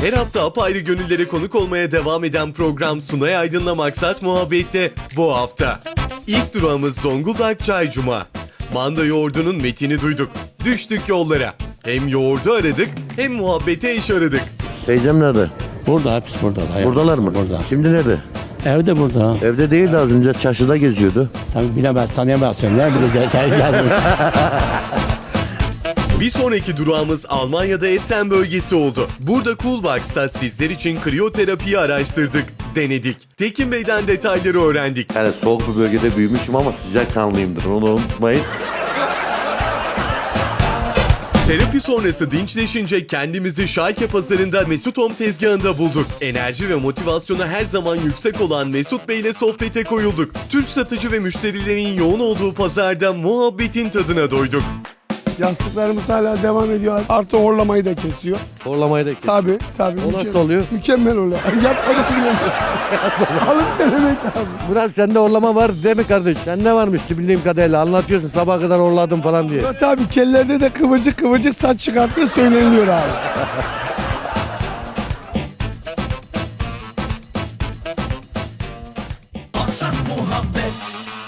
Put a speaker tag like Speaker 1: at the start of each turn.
Speaker 1: Her hafta apayrı gönüllere konuk olmaya devam eden program Sunay Aydın'la Maksat Muhabbet'te bu hafta. İlk durağımız Zonguldak Çaycuma. Manda yoğurdunun metini duyduk. Düştük yollara. Hem yoğurdu aradık hem muhabbete eş aradık.
Speaker 2: Teyzem nerede?
Speaker 3: Burada, hepsi burada.
Speaker 2: Buradalar mı?
Speaker 3: Burada.
Speaker 2: Şimdi nerede?
Speaker 3: Evde burada.
Speaker 2: Evde değil de az önce çarşıda geziyordu.
Speaker 3: Sen bilemez, tanıyamazsın. Ne bileceğiz, sen geldin.
Speaker 1: Bir sonraki durağımız Almanya'da Essen bölgesi oldu. Burada Coolbox'ta sizler için kriyoterapiyi araştırdık, denedik. Tekin Bey'den detayları öğrendik.
Speaker 2: Yani soğuk bir bölgede büyümüşüm ama sıcak kanlıyımdır. Onu unutmayın.
Speaker 1: Terapi sonrası dinçleşince kendimizi Şalke pazarında Mesut Home tezgahında bulduk. Enerji ve motivasyonu her zaman yüksek olan Mesut Bey ile sohbete koyulduk. Türk satıcı ve müşterilerin yoğun olduğu pazarda muhabbetin tadına doyduk.
Speaker 4: Yastıklarımız hala devam ediyor. Artı horlamayı da kesiyor.
Speaker 2: Horlamayı da kes.
Speaker 4: Tabii.
Speaker 2: O nasıl oluyor?
Speaker 4: Mükemmel oluyor. Yapmadık bilemezsiniz. Alıp denemek lazım.
Speaker 2: Murat sende horlama var değil mi kardeş? Sende varmış bildiğim kadarıyla. Anlatıyorsun sabah kadar horladım falan diye.
Speaker 4: Tabii kellerde de kıvırcık saç çıkarttığı söyleniliyor abi.
Speaker 5: Maksat muhabbet.